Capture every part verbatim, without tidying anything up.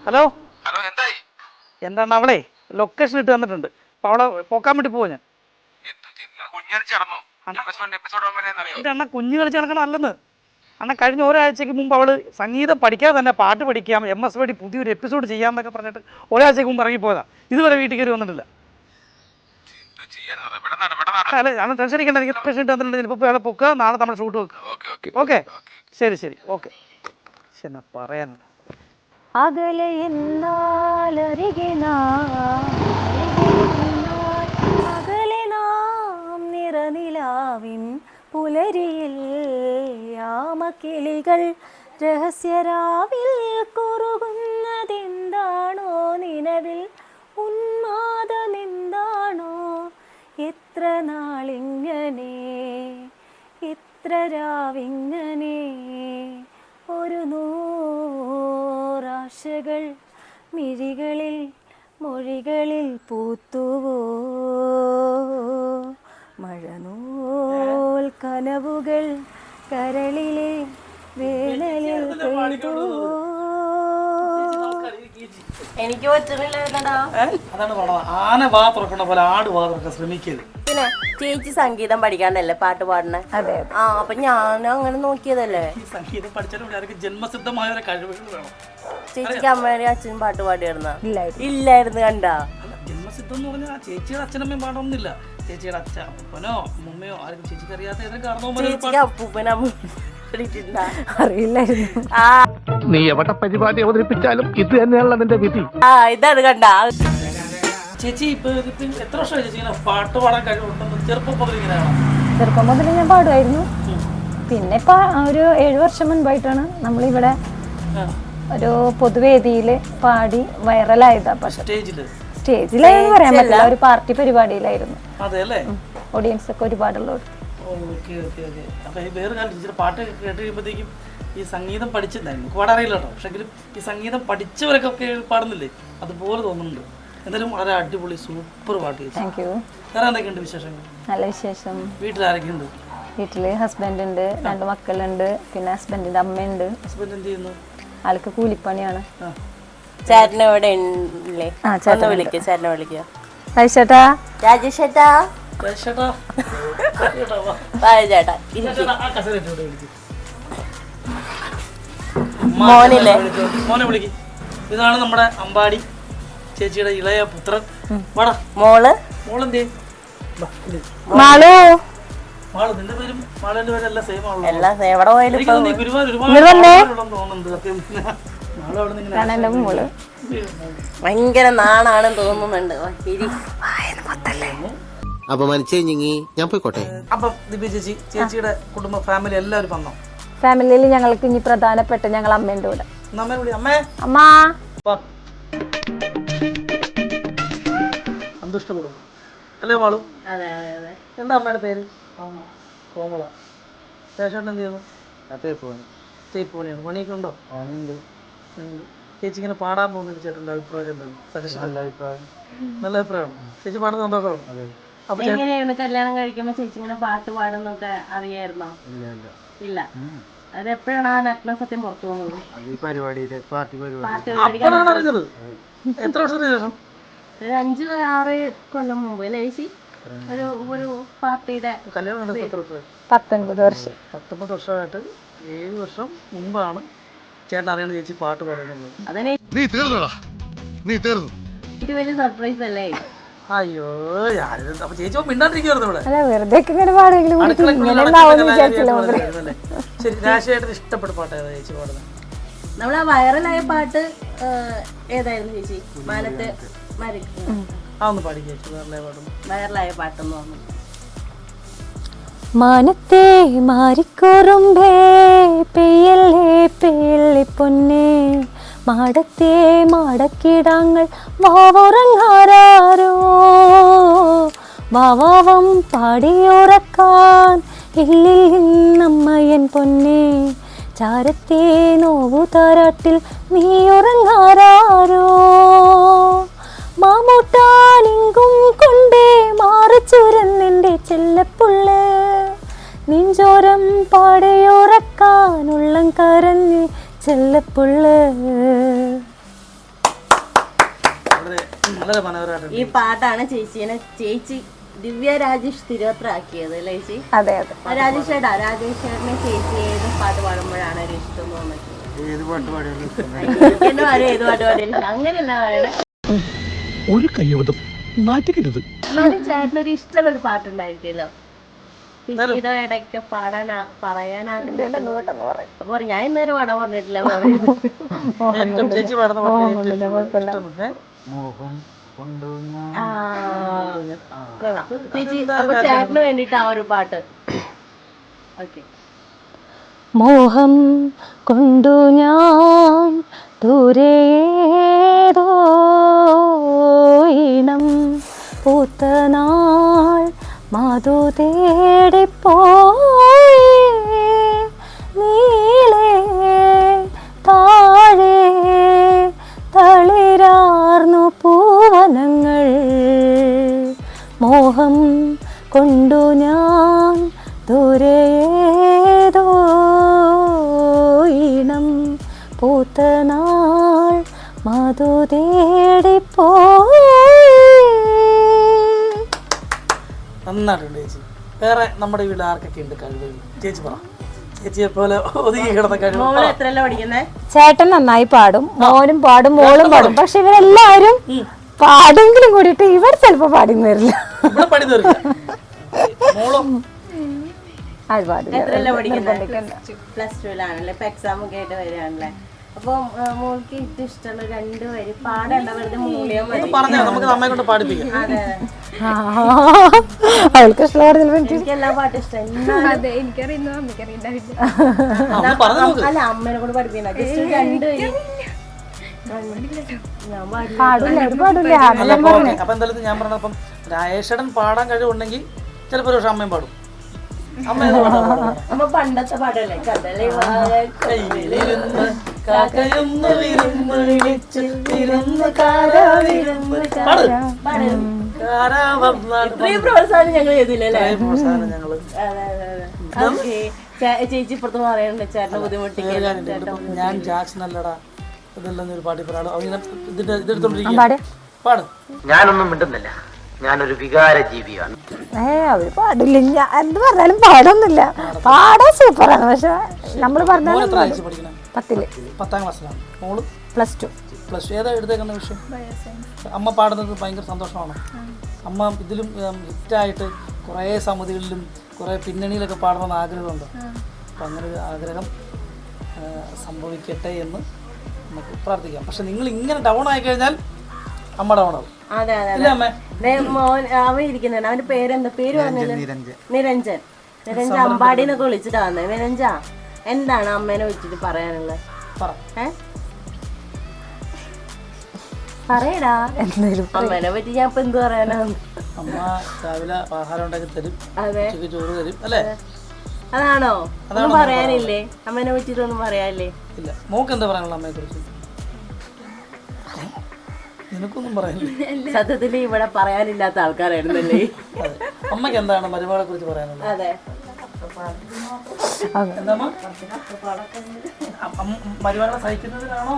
Hello hello എന്തായി? എന്താണ് അവളെ ലൊക്കേഷൻ ഇട്ട് തന്നിട്ടുണ്ട്. അപ്പോൾ അവളെ പോക്കാൻ വേണ്ടി പോവാ ഞാൻ. അണ്ണ കുഞ്ഞു കളിച്ച് നടക്കണം അല്ലെന്ന്. അണ്ണ കഴിഞ്ഞ ഒരാഴ്ചക്ക് മുമ്പ് അവള് സംഗീതം പഠിക്കാതെ തന്നെ പാട്ട് പഠിക്കാം, എം എസ് വഴി പുതിയൊരു എപ്പിസോഡ് ചെയ്യാമെന്നൊക്കെ പറഞ്ഞിട്ട് ഒരാഴ്ചക്ക് മുമ്പ് ഇറങ്ങിപ്പോയതാ. ഇതുവരെ വീട്ടിൽ കയറി വന്നിട്ടില്ല. അല്ല അണ്ണൻ ടെൻഷൻ അടിക്കണ്ട, എനിക്ക് ലൊക്കേഷൻ ഇട്ട് തന്നിട്ടുണ്ട്. ഇപ്പോൾ അയാളെ പൊക്കുക, നാളെ നമ്മൾ ഷൂട്ട് വെക്കുക. ഓക്കെ ശരി ശരി ഓക്കെ. എന്നാ പറയാൻ അകലെ എന്നാലരികെ അകലെ നാം നിറനിലാവിൻ പുലരിയിൽ യാമക്കിളികൾ രഹസ്യരാവിൽ കുറുകുന്നതെന്താണോ നിലവിൽ ഉന്മാദമെന്താണോ എത്ര നാളിങ്ങനെ എത്ര രാവിങ്ങനെ ഒരു നൂറാശകൾ മിഴികളിൽ മൊഴികളിൽ പൂത്തുവോ മഴനൂൽ കനവുകൾ കരളിലെ വേനലിൽ പെയ്തുവോ. എനിക്ക് പറ്റുന്നില്ല. അതാണ് ആന വാ തുറക്കണ പോലെ ആട് വാ തുറക്കാൻ ശ്രമിക്കരുത്. പിന്നെ ചേച്ചി സംഗീതം പഠിക്കാണ്ടല്ലേ പാട്ട് പാടണേ? അതെ. ആ അപ്പൊ ഞാൻ അങ്ങനെ നോക്കിയതല്ലേ. ഈ സംഗീതം പഠിച്ചാലും ജന്മസിദ്ധമായ ഒരു കഴിവുകൾ വേണം. ചേച്ചിക്ക് അമ്മയുടെ അച്ഛനും പാട്ട് പാടിയിരുന്ന ഇല്ലായിരുന്നു ഇല്ലായിരുന്നു കണ്ടാ. ജന്മസിദ്ധം എന്ന് പറഞ്ഞാൽ ചേച്ചിയുടെ അച്ഛനമ്മയും പാടൊന്നുമില്ല. ചേച്ചിയുടെ അച്ഛ അപ്പനോ അമ്മമ്മയോ ആർക്കും ചേച്ചിക്ക് അറിയാത്ത ഏതെങ്കിലും കാരണവന്മാർ ചേച്ചിക്ക് അപ്പൂപ്പനമ്മ അറിയില്ലായിരുന്നു. ആ നീ എവിടെ പരിപാടി അവതരിപ്പിച്ചാലും ഇത് തന്നെയാണല്ലോ നിന്റെ വിധി. ആ ഇതാണ് കണ്ടാ. ചേച്ചി ഇപ്പൊ എത്ര വർഷമായി ചേച്ചി ഇങ്ങനെ പാട്ട് പാടാൻ കഴിവുണ്ടെന്ന് ചെറുപ്പം മുതൽ ഇങ്ങനെയാണോ? ചെറുപ്പം മുതൽ ഞാൻ പാടുമായിരുന്നു. പിന്നെ ഇപ്പൊ ഒരു ഏഴു വർഷം മുൻപായിട്ടാണ് നമ്മളിവിടെ ഒരു പൊതുവേദിയിൽ പാടി വൈറലായതാ. പക്ഷെ സ്റ്റേജില് സ്റ്റേജിലായെന്ന് പറയാൻ പറ്റില്ല, ഒരു പാർട്ടി പരിപാടിയിലായിരുന്നു. അതെല്ലേ? ഓഡിയൻസ് ഒക്കെ ഒരുപാടുള്ളൂ. Okay okay okay. അപ്പൊ ഈ വേറെ കാര്യം ടീച്ചർ പാട്ട് കേട്ട് കഴിയുമ്പോഴത്തേക്കും ഈ സംഗീതം പഠിച്ചിട്ടുണ്ടായിരുന്നു. എനിക്ക് പാടാൻ അറിയില്ല കേട്ടോ, പക്ഷെങ്കിലും ഈ സംഗീതം പഠിച്ചവരൊക്കെ പാടുന്നില്ലേ അതുപോലെ തോന്നുന്നുണ്ട്. എന്തായാലും വളരെ അടിപൊളി സൂപ്പർ പാട്ട് ചേച്ചി. Thank you. വേറെ എന്തൊക്കെയുണ്ട് വിശേഷങ്ങൾ? നല്ല വിശേഷം. വീട്ടിൽ ആരൊക്കെയുണ്ട്? വീട്ടില് ഹസ്ബൻഡ് ഉണ്ട്, രണ്ട് മക്കളുണ്ട്, പിന്നെ ഹസ്ബൻഡിന്റെ അമ്മയുണ്ട്. ഹസ്ബൻഡ് എന്ത് ചെയ്യുന്നു? ആൾക്ക് കൂലിപ്പണിയാണ്. ചേട്ടനെ ഇവിടെ ഇല്ലേ? ആ ചേട്ടനെ വിളിക്ക ചേട്ടനെ വിളിക്കുക. ചേട്ടാ രാജേഷ് ചേട്ടാ ചേട്ടാ ചേട്ടാ മോനില്ലേ? മോനെ വിളിക്ക്. ഇതാണ് നമ്മുടെ അമ്പാടി ചേച്ചിയുടെ ഇളയ പുത്രൻ. വാടാ മോള്. മോളെന്തേ? മാളു. മാളു നിന്റെ പേരും മാളുവിന്റെ പേരും എല്ലാം സെയിം ആണല്ലോ. എല്ലാം എവിടെ പോയാലും ഗുരുവായൂർ ഒരുപാട് തോന്നുന്നുണ്ട് സത്യം. മാളു അവിടെ നിന്ന് ഭയങ്കര നാണാണെന്ന് തോന്നുന്നുണ്ട്. അപമാനിച്ചേ ഞങ്ങി ഞാൻ പോയിക്കോട്ടെ. അപ്പം ദിവ്യ ചേച്ചി ചേച്ചിയുടെ കുടുംബ ഫാമിലി എല്ലാവരും വന്നോ? ഫാമിലിയിൽ ഞങ്ങൾക്ക് ഇനി പ്രധാനപ്പെട്ട ഞങ്ങൾ അമ്മേന്റെ കൂടെ. അമ്മേ വിളി. അമ്മേ അമ്മാ സന്തുഷ്ടപ്പെടും അല്ലേ മാളു? അതെ അതെ അതെ. എന്താ അമ്മയുടെ പേര്? കോമള. ശേഷം എന്ത് ചെയ്യുന്നു? തേപ്പ് പണിയാണ്. പണിയൊക്കെ ഉണ്ടോ? ചേച്ചി ഇങ്ങനെ പാടാൻ പോകുന്ന ചേട്ടൻ്റെ അഭിപ്രായം എന്താണ്? നല്ല അഭിപ്രായം. നല്ല അഭിപ്രായമാണ്. ചേച്ചി പാടുന്ന സന്തോഷമാണ്. എങ്ങനെയാണ് കല്യാണം കഴിക്കുമ്പോ ചേച്ചി ഇങ്ങനെ പാട്ട് പാടുന്നൊക്കെ അറിയായിരുന്നോ? ഇല്ല. അതെപ്പോഴാണ് ആ നഗ്ന സത്യം പുറത്തു പോകുന്നത്? അപ്പോഴാണ് അറിഞ്ഞത്. എത്ര വർഷത്തിന് ശേഷം? ഒരു അഞ്ച് ആറ് കൊല്ലം മുമ്പ് അല്ലേ ചേച്ചി? ഒരു ഒരു പാർട്ടിയുടെ കല്യാണം നടത്തി എത്ര വർഷമായി? പത്തൊൻപത് വർഷം. പത്തൊമ്പത് വർഷമായിട്ട് ഏഴ് വർഷം മുമ്പാണ് ചേട്ടൻ അറിയണ ചേച്ചി പാട്ട് പാടുന്നത്. അതന്നെ നീ തീർന്നടാ, നീ തീർന്നു. എനിക്ക് വലിയ സർപ്രൈസ് അല്ലേ? അയ്യോ അപ്പൊ ചേച്ചി മിണ്ടാണ്ടിരിക്കുവായിരുന്നു ഇവിടെ. അല്ല വെറുതെ ഇങ്ങനെ പാടെങ്കിലും ശരി, രാശിയായിട്ട് ഇഷ്ടപ്പെട്ട പാട്ട് ഏതാ ചേച്ചി പാടുന്നത്? നമ്മളാ വൈറലായ പാട്ട് ഏതായിരുന്നു ചേച്ചി? മാനത്തെ അതൊന്ന് പാടി ചേച്ചി. വൈറലായ പാട്ടൊന്ന്. വൈറലായ പാട്ടെന്ന് പറഞ്ഞു. മാനത്തെ മാറിക്കോറുമ്പേ പെയ്യല്ലേ പെയ്യല്ലേ പൊന്നേ മാടത്തെ മാടക്കിടാങ്ങൾ വാവുറങ്ങാരോ വാവാവം പാടിയുറക്കാൻ ഇല്ലില്ലമ്മയൻ പൊന്നേ ചാരത്തെ നോവു താരാട്ടിൽ നീ ഉറങ്ങാരോ മാമൂട്ടാനിങ്കും കൊണ്ടേ മാറിച്ചുരന്നെൻ്റെ ചെല്ലപ്പുള്ള നെഞ്ചോരം പാടയുറക്കാൻ ഉള്ളം കരഞ്ഞ് ചെല്ലപ്പുള്ള വളരെ മനോഹരമായിട്ടുണ്ട്. ഈ പാട്ടാണ് ചേച്ചീനെ ചേച്ചി ദിവ്യ രാജേഷ് തിരുവത്രയാക്കിയത് അല്ലേ ചേച്ചി? അതെ അതെ. രാജേഷ് ചേട്ടാ, രാജേഷ് ചേട്ടനെ ചേച്ചി ഏത് പാട്ട് പാടുമ്പോഴാണ് ഒരു ഇഷ്ടം തോന്നുന്നത്? ഏത് പാട്ട് പാടിയാലും എന്നെ പറയും ഏത് പാട്ട് പാടിയാലും അങ്ങനെയല്ല പറയണേ. ഒരു കയ്യബദ്ധം നാറ്റിക്കരുത്. ചേട്ടനൊരു ഇഷ്ടമുള്ള ഒരു പാട്ടുണ്ടായിരിക്കുമല്ലോ, ചേച്ചിയുടെ ഇടയ്ക്ക് പാടാൻ പറയാനാണ്. അപ്പൊ ഞാൻ ഇന്നേരം പാടാൻ പറഞ്ഞിട്ടില്ല. ഏറ്റവും ചേച്ചി പാടുന്ന പാട്ട് മോഹം കൊണ്ടു ചേച്ചി അപ്പൊ ചേട്ടന് വേണ്ടിട്ട് ആ ഒരു പാട്ട്. ഓക്കെ. മോഹം കൊണ്ടു ഞാൻ ദൂരേതോ ഇണം പൂത്തനാൾ മധു തേടിപ്പോയി നീളേ താഴെ തളിരാർന്നു പൂവനങ്ങൾ. മോഹം കൊണ്ടു ഞാൻ ദൂരേതോ ഇണം പൂത്തനാൾ മധു തേടിപ്പോയി. നന്നായിട്ടുണ്ട് ചേച്ചി. വേറെ നമ്മുടെ വീട്ടിൽ ആർക്കൊക്കെ ഉണ്ട് കഴിവുകൾ? ചേച്ചി പറ. ചേച്ചിയെ പോലെ ഒതുങ്ങി കിടന്ന കഴിവ്. മോള് എത്രയല്ല പഠിക്കുന്നേ? ചേട്ടൻ നന്നായി പാടും, മോനും പാടും, മോളും പാടും. പക്ഷെ ഇവരെല്ലാവരും പാടെങ്കിലും കൂടിയിട്ട് ഇവർ ചിലപ്പോ പാടിന്ന് വരില്ല. ഇവിടെ പണി തീർക്കില്ല. മോളും അത് പാടില്ല. എത്രയല്ല പഠിക്കുന്നത്? പ്ലസ് ടുവിലാണല്ലേ? ഇപ്പൊ എക്സാം ഒക്കെ ആയിട്ട് വരികയാണല്ലേ? അപ്പൊ മോൾക്ക് ഏറ്റവും ഇഷ്ടമുള്ള രണ്ട് വരി പാടേണ്ട, വെറുതെ മൂളിയാൽ മതി. പറഞ്ഞോ, നമുക്ക് നമ്മെ കൊണ്ട് പാടിപ്പിക്കാം. അതെ, അവൾക്ക് ഇഷ്ടമുള്ള എനിക്ക് എല്ലാ പാട്ടും ഇഷ്ടം. അല്ല, അമ്മേനെ കൂടെ പഠിപ്പിക്കുന്ന ജസ്റ്റ് രണ്ട് വരി. ഞാൻ പാടില്ല. അപ്പൊ എന്തായാലും ഞാൻ പറഞ്ഞപ്പം രാജേഷേട്ടൻ പാടാൻ കഴിവുണ്ടെങ്കിൽ ചിലപ്പോൾ ഒരു പക്ഷെ അമ്മയും പാടും. അമ്മ അമ്മ പണ്ടത്തെ പാടല്ലേ? കടലേ കയ്യിലിരുന്ന് കാക്കയൊന്ന് വിരുന്ന് വിളിച്ച് വിരുന്ന് ഇത്രയും പ്രോത്സാഹനം ഞങ്ങൾ ചെയ്തില്ലല്ലേ? പ്രോത്സാഹനം ഞങ്ങള് ചേച്ചി ഇപ്പുറത്ത് പറയണ്ട ചേട്ടനെ ബുദ്ധിമുട്ടിക്കാൻ. ഞാൻ ജാക്സൺ അല്ലടാ ഇതെല്ലാം ഒരു പാട്ടി പറയാളോ അങ്ങനെ ഇതിന്റെ ഇതെടുത്തോണ്ടിരിക്കും. പാട്. ഞാനൊന്നും മിണ്ടുന്നില്ല, ഞാനൊരു വികാര ജീവിയാണ്. ഏ അവര് പാടില്ല. ഞാൻ എന്ത് പറഞ്ഞാലും പാടൊന്നുമില്ല. പാടാൻ സൂപ്പറാണ്. പക്ഷെ നമ്മള് പറഞ്ഞാലും പഠിക്കണം. പത്തില് പത്താം ക്ലാസ്സിലാണ് മോള്. പ്ലസ് ടു പ്ലസ് ടു ഏതാ എടുത്തേക്കുന്ന വിഷയം? അമ്മ പാടുന്നത് ഭയങ്കര സന്തോഷമാണ്. അമ്മ ഇതിലും ഹിറ്റായിട്ട് കുറേ സമിതികളിലും കുറേ പിന്നണിയിലൊക്കെ പാടണമെന്ന് ആഗ്രഹമുണ്ട്. അപ്പം അങ്ങനെ ഒരു ആഗ്രഹം സംഭവിക്കട്ടെ എന്ന് നമുക്ക് പ്രാർത്ഥിക്കാം. പക്ഷെ നിങ്ങൾ ഇങ്ങനെ ഡൗൺ ആയി കഴിഞ്ഞാൽ അമ്മ ഡൗൺ ആവും. അതെ അതെ. മോൻ അവൻ ഇരിക്കുന്നുണ്ട്. അവന്റെ പേരെന്താ? പേര് പറഞ്ഞത് നിരഞ്ജൻ. നിരഞ്ജൻ അമ്പാടിന്നൊക്കെ വിളിച്ചിട്ടാ വന്നത്. നിരഞ്ജ, എന്താണ് അമ്മേനെ വെച്ചിട്ട് പറയാനുള്ളത്? ഏ പറയടാ. എന്തായാലും അമ്മേനെ പറ്റി ഞാൻ ഇപ്പൊ എന്ത് പറയാനാ? അമ്മ രാവിലെ ആഹാരം ഉണ്ടാക്കി തരും, അതെ, ചോറ് തരും അല്ലേ? അതാണോ? ഒന്നും പറയാനില്ലേ അമ്മേനെ പറ്റിട്ടൊന്നും പറയാനില്ലേ? ഇല്ല. മോക്ക് എന്താ പറയാനുള്ള അമ്മയെ കുറിച്ച്? നിനക്കൊന്നും പറയാനില്ല. സത്യത്തിൽ ഇവിടെ പറയാനില്ലാത്ത ആൾക്കാരായിരുന്നല്ലേ? അമ്മക്ക് എന്താണ് മരുമകളെ കുറിച്ച് പറയാനുള്ളത്? അതെ, എന്താ മരുമകളെ സഹിക്കുന്നതിനാണോ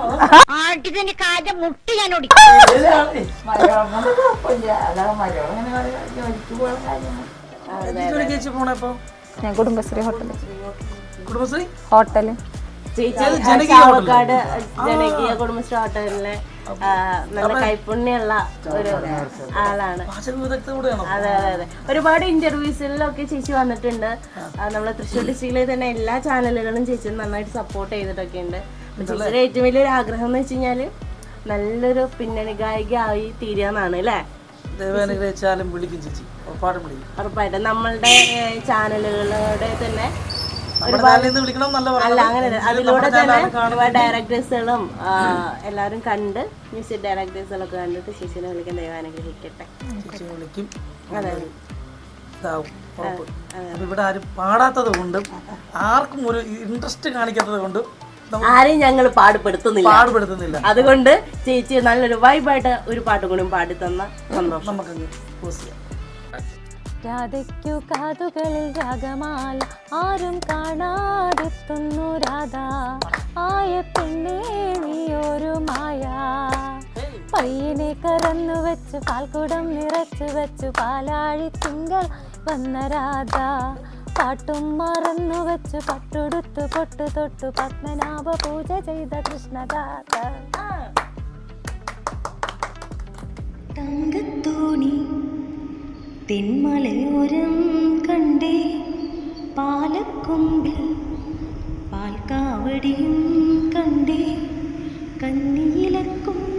ചേച്ചി പോണേ? ഇപ്പൊ ഞാൻ കുടുംബശ്രീ ഹോട്ടല് കുടുംബശ്രീ ഹോട്ടല് ചേച്ചി ചാവക്കാട് ജനകീയ കുടുംബശ്രീ ഹോട്ടലിലെ നല്ല കൈപ്പുണ്യുള്ള ഒരു ആളാണ്. അതെ അതെ അതെ. ഒരുപാട് ഇന്റർവ്യൂസിലൊക്കെ ചേച്ചി വന്നിട്ടുണ്ട്. നമ്മളെ തൃശ്ശൂർ ഡിസ്ട്രിക്റ്റിലെ തന്നെ എല്ലാ ചാനലുകളും ചേച്ചി നന്നായിട്ട് സപ്പോർട്ട് ചെയ്തിട്ടൊക്കെ ഉണ്ട്. ചേച്ചിയുടെ ഏറ്റവും വലിയൊരു ആഗ്രഹം എന്ന് വെച്ച് കഴിഞ്ഞാല് നല്ലൊരു പിന്നണി ഗായിക ആയി തീരാന്നാണ് അല്ലേ? ഉറപ്പായിട്ടും നമ്മളുടെ ചാനലുകളുടെ തന്നെ അല്ല അങ്ങനെ അതിലൂടെ തന്നെ ഡയറക്ടേഴ്സുകളും എല്ലാവരും കണ്ട് മ്യൂസിക് ഡയറക്ടേഴ്സുകളൊക്കെ കണ്ടിട്ട് ചേച്ചിനെ വിളിക്കാൻ ദൈവം അനുഗ്രഹിക്കട്ടെ. അതെ, ഇവിടെ ആരും പാടാത്തത് കൊണ്ടും ആർക്കും ഒരു ഇൻട്രസ്റ്റ് കാണിക്കാത്തത് കൊണ്ടും ആരെയും ഞങ്ങൾ പാടുപെടുത്തുന്നില്ല പാടുപെടുത്തുന്നില്ല അതുകൊണ്ട് ചേച്ചി നല്ലൊരു വൈബായിട്ട് ഒരു പാട്ടും കൂടി പാടി തന്ന സന്തോഷം. നമുക്കങ്ങ് പോസ് ചെയ്യാം. രാധയ്ക്കു കാതുകളിൽ രാഗമാല ആരും കാണാതെത്തുന്നു രാധ ആയ പെണ്ണേ നീ ഒരു മായ പൊയ്യിനെ കറന്നു വെച്ചു പാൽക്കുടം നിറച്ചു വെച്ചു പാലാഴി തിങ്കൾ വന്ന രാധ പാട്ടും മറന്നു വെച്ചു പട്ടുടുത്തു പൊട്ടു തൊട്ടു പത്മനാഭ പൂജ ചെയ്ത കൃഷ്ണദാസ. തങ്കത്തോണി തെന്മലയോരം കണ്ടേ പാലക്കൊമ്പിൽ പാൽക്കാവടിയും കണ്ടേ കന്നിയിലക്കും